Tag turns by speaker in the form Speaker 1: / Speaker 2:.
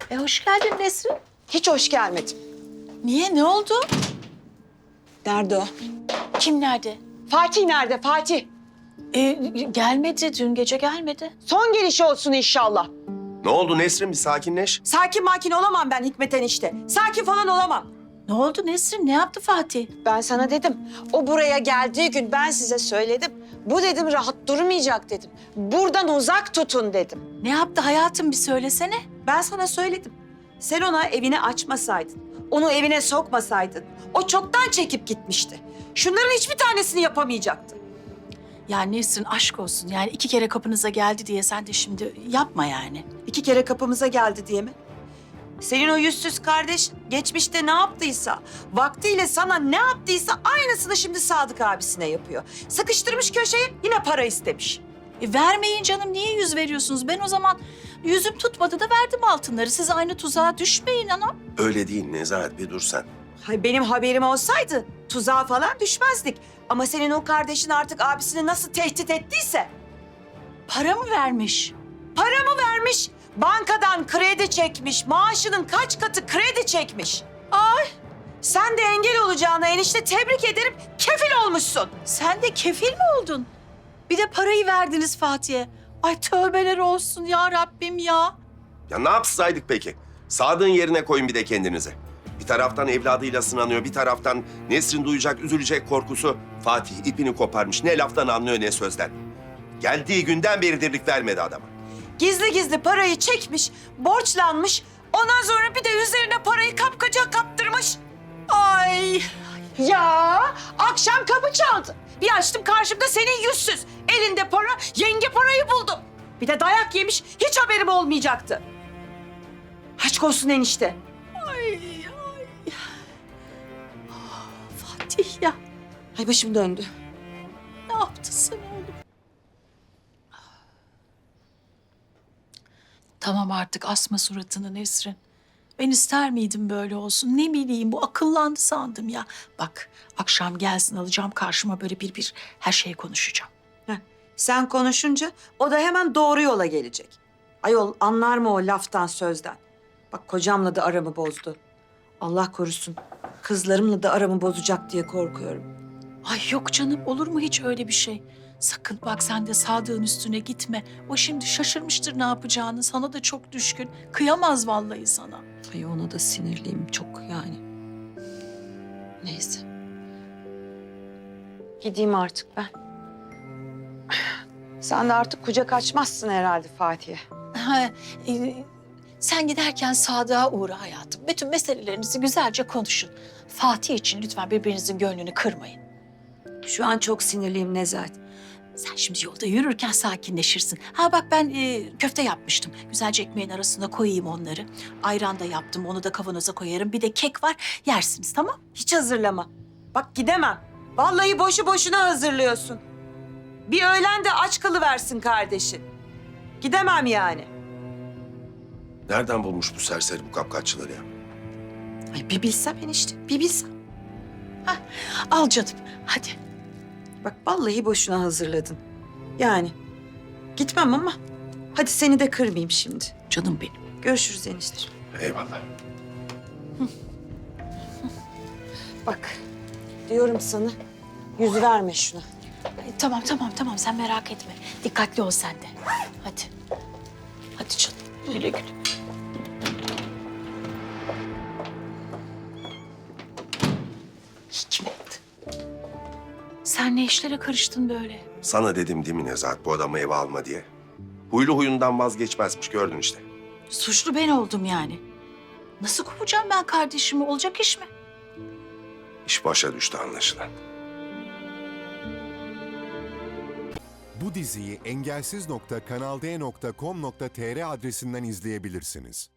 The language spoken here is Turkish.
Speaker 1: Hoş geldin Nesrin.
Speaker 2: Hiç hoş gelmedim.
Speaker 1: Niye? Ne oldu?
Speaker 2: Nerede o?
Speaker 1: Kim nerede?
Speaker 2: Fatih nerede Fatih?
Speaker 1: Gelmedi. Dün gece gelmedi.
Speaker 2: Son gelişi olsun inşallah.
Speaker 3: Ne oldu Nesrin, bir sakinleş.
Speaker 2: Sakin makin olamam ben Hikmet enişte. Sakin falan olamam.
Speaker 1: Ne oldu Nesrin? Ne yaptı Fatih?
Speaker 2: Ben sana dedim. O buraya geldiği gün ben size söyledim. Bu dedim rahat durmayacak dedim. Buradan uzak tutun dedim.
Speaker 1: Ne yaptı hayatım, bir söylesene.
Speaker 2: Ben sana söyledim. Sen ona evini açmasaydın, onu evine sokmasaydın, o çoktan çekip gitmişti. Şunların hiçbir tanesini yapamayacaktı.
Speaker 1: Ya Nesrin, aşk olsun. Yani 2 kere kapınıza geldi diye sen de şimdi yapma yani.
Speaker 2: 2 kere kapımıza geldi diye mi? Senin o yüzsüz kardeş geçmişte ne yaptıysa, vaktiyle sana ne yaptıysa aynısını şimdi Sadık abisine yapıyor. Sıkıştırmış köşeye, yine para istemiş.
Speaker 1: Vermeyin canım, niye yüz veriyorsunuz? Ben o zaman yüzüm tutmadı da verdim altınları. Siz aynı tuzağa düşmeyin anam.
Speaker 3: Öyle değil Nezahat, bir dur sen.
Speaker 2: Hay benim haberim olsaydı tuzağa falan düşmezdik. Ama senin o kardeşin artık abisini nasıl tehdit ettiyse.
Speaker 1: Para mı vermiş?
Speaker 2: Para mı vermiş? Bankadan kredi çekmiş. Maaşının kaç katı kredi çekmiş. Ay! Sen de engel olacağına enişte tebrik ederim. Kefil olmuşsun.
Speaker 1: Sen de kefil mi oldun? Bir de parayı verdiniz Fatih'e. Ay tövbeler olsun ya Rabbim ya.
Speaker 3: Ya ne yapsaydık peki? Sadık'ın yerine koyun bir de kendinize. Bir taraftan evladıyla sınanıyor, bir taraftan Nesrin duyacak, üzülecek korkusu. Fatih ipini koparmış, ne laftan anlıyor ne sözden. Geldiği günden beri dirlik vermedi adama.
Speaker 2: Gizli gizli parayı çekmiş, borçlanmış. Ondan sonra bir de üzerine parayı kapkaca kaptırmış.
Speaker 1: Ay.
Speaker 2: Ya akşam kapı çaldı. Bir açtım karşımda senin yüzsüz. Elinde para, yenge parayı buldu. Bir de dayak yemiş, hiç haberim olmayacaktı. Aşk olsun enişte.
Speaker 1: Ay. Fatih ya,
Speaker 2: Ay başım döndü.
Speaker 1: ne yaptın sen oğlum? Tamam artık, asma suratını Nesrin. Ben ister miydim böyle olsun? Ne bileyim, bu akıllandı sandım ya. Bak, akşam gelsin, alacağım karşıma, böyle bir her şeyi konuşacağım.
Speaker 2: Heh, sen konuşunca o da hemen doğru yola gelecek. Ayol anlar mı o laftan sözden? Bak kocamla da aramı bozdu. Allah korusun. Kızlarımla da aramı bozacak diye korkuyorum.
Speaker 1: Ay yok canım, olur mu hiç öyle bir şey? Sakın bak, sen de Sadık'ın üstüne gitme. O şimdi şaşırmıştır ne yapacağını. Sana da çok düşkün. Kıyamaz vallahi sana.
Speaker 2: Ay ona da sinirliyim çok yani. Neyse. Gideyim artık ben. Sen de artık kucak açmazsın herhalde Fatih'e.
Speaker 1: Ha, sen giderken Sadık'a uğra hayatım. Bütün meselelerinizi güzelce konuşun. Fatih için lütfen birbirinizin gönlünü kırmayın.
Speaker 2: Şu an çok sinirliyim Nezahat.
Speaker 1: Sen şimdi yolda yürürken sakinleşirsin. Ha bak, ben köfte yapmıştım. Güzelce ekmeğin arasına koyayım onları. Ayran da yaptım, onu da kavanoza koyarım. Bir de kek var, yersiniz, tamam?
Speaker 2: Hiç hazırlama. Bak gidemem. Vallahi boşu boşuna hazırlıyorsun. Bir öğlen de aç kalıversin kardeşin. Gidemem yani.
Speaker 3: Nereden bulmuş bu serseri bu kapkaççıları ya?
Speaker 2: Ay bir bilsem enişte, bir bilsem.
Speaker 1: Al canım, hadi.
Speaker 2: Bak vallahi boşuna hazırladın. Yani gitmem ama hadi seni de kırmayayım şimdi.
Speaker 1: Canım benim.
Speaker 2: Görüşürüz enişte.
Speaker 3: Eyvallah.
Speaker 2: Bak diyorum sana yüz verme şuna.
Speaker 1: Ay, tamam, sen merak etme. Dikkatli ol sen de. Hadi. Hadi canım, güle güle. Hikmet. Sen ne işlere karıştın böyle?
Speaker 3: Sana dedim değil mi Nezahat, bu adamı eve alma diye. Huylu huyundan vazgeçmezmiş, gördün işte.
Speaker 1: Suçlu ben oldum yani. Nasıl kovacağım ben kardeşimi? Olacak iş mi?
Speaker 3: İş başa düştü anlaşılan.
Speaker 4: Bu diziyi engelsiz.kanalde.com.tr adresinden izleyebilirsiniz.